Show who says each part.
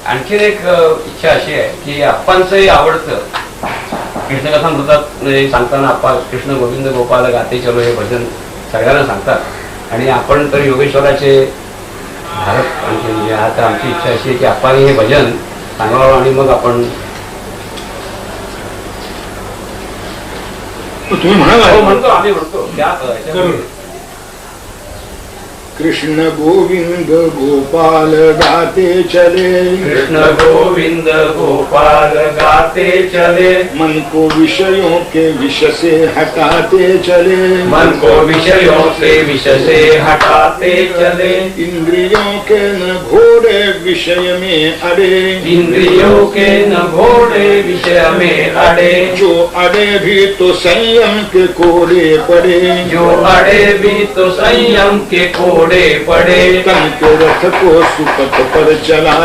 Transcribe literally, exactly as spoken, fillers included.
Speaker 1: आणखीन एक इच्छा अशी आहे की आप्पांचंही आवडतं कृष्णकथामृतात सांगताना आप्पा कृष्ण गोविंद गोपाल गाते चलो हे भजन सगळ्यांना सांगतात आणि आपण तर योगेश्वराचे भारत आणखी म्हणजे आता आमची इच्छा अशी आहे की आप्पाने हे भजन सांगावं आणि मग आपण
Speaker 2: तुम्ही म्हणाला
Speaker 1: म्हणतो आम्ही म्हणतो त्या
Speaker 2: कृष्ण गोविंद गोपाल गाते चले
Speaker 1: कृष्ण गोविंद गोपाल गाते चले
Speaker 2: मन को विषयों के विष से हटाते चले
Speaker 1: मन को विषयों से विष से हटाते चले
Speaker 2: इंद्रियों के न घोड़े विषय में अड़े
Speaker 1: इंद्रियों के न घोड़े विषय में अड़े
Speaker 2: जो अड़े भी तो संयम के कोड़े पड़े
Speaker 1: जो अड़े भी तो संयम के कोड़े पड़े
Speaker 2: तन के रथ को सुपथ पर चला